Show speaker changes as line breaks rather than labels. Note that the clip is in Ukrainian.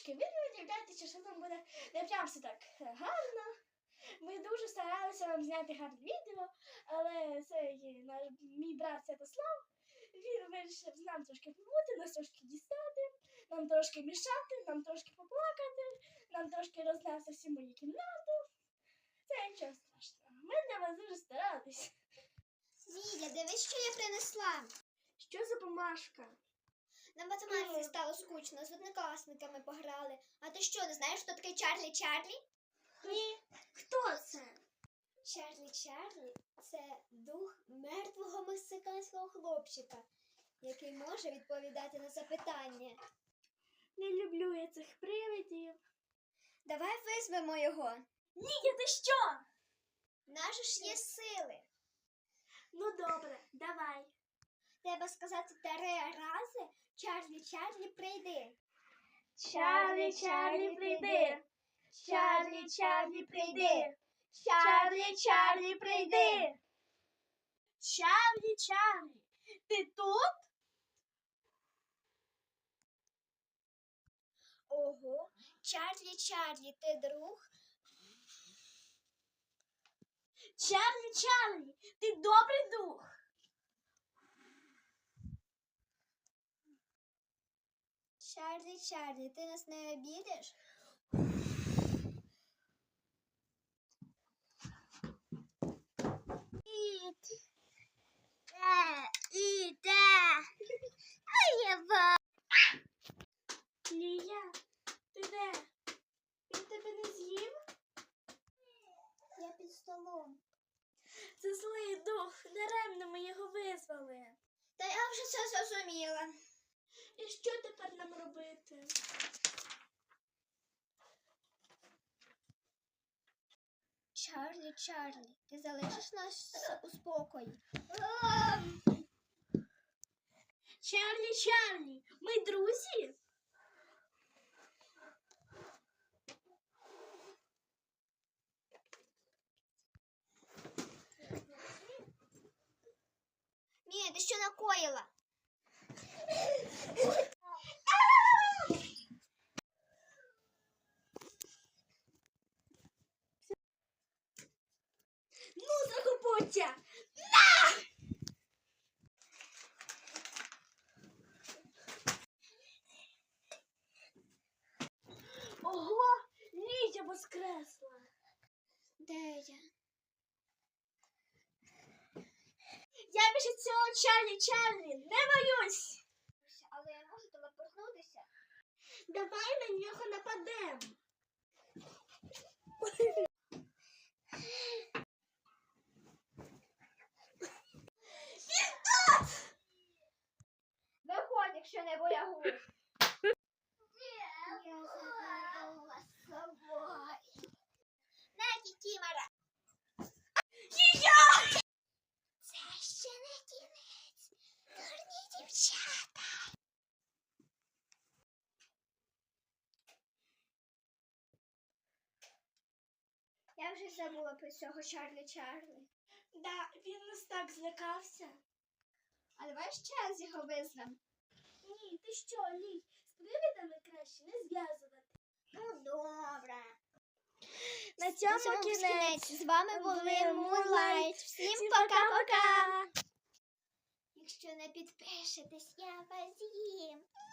трошки відео, що там буде не прям все так гарно. Ми дуже старалися вам зняти гарне відео, але мій брат Святослав, він вирішив нам трошки побути, нас трошки дістати, нам трошки мішати, нам трошки поплакати, нам трошки рознести всі мої кімнату. Це нічого страшного. Ми для вас дуже старались.
Ліля, дивись, що я принесла.
Що за бумажка?
На математиці стало скучно, з однокласниками пограли. А ти що, не знаєш, хто такий Чарлі Чарлі?
Ні. Хто це?
Чарлі Чарлі – це дух мертвого мексиканського хлопчика, який може відповідати на запитання.
Не люблю я цих привидів.
Давай визвемо його.
Ні, ти що?
Наші ж є сили.
Ну добре, давай.
Треба сказати 3 рази «Чарлі, Чарлі, прийди».
Чарлі, Чарлі, прийди. Чарлі, Чарлі, прийди. Чарлі, Чарлі, прийди. Чарлі, Чарлі, ти тут?
Ого, Чарлі, Чарлі, ти друг?
Чарлі, Чарлі, ти добрий дух?
Чарлі, Чарлі, ти нас не обідеш?
Лія, ти де? Він тебе не з'їв?
Я під столом.
Це злий дух, даремно ми його визвали.
Та я вже все зрозуміла.
І що тепер нам робити?
Чарлі, Чарлі, ти залишиш нас у спокої?
Чарлі, Чарлі, ми друзі?
Мія, ти що накоїла?
Ну, закопуття! Ого, Лія воскресла.
Де я?
Я більше цього Чарлі, Чарлі, не боюсь.
Але я можу телепортнутися.
Давай на нього нападемо.
Виходь, якщо не боягуз. Я заберу вас з собою. На, Кікімора.
Лія!
Це ще не кінець. Дурні дівчата. Я вже забула про цього Чарлі Чарлі.
Да, він нас так злякався.
А давай ще раз його визвемо.
Ні, ти що, Лій, з привидами краще не зв'язувати.
Ну, добре.
На
цьому кінець. З вами були Moonlight. Всім пока-пока. Якщо не підпишетесь, я вас з'їм.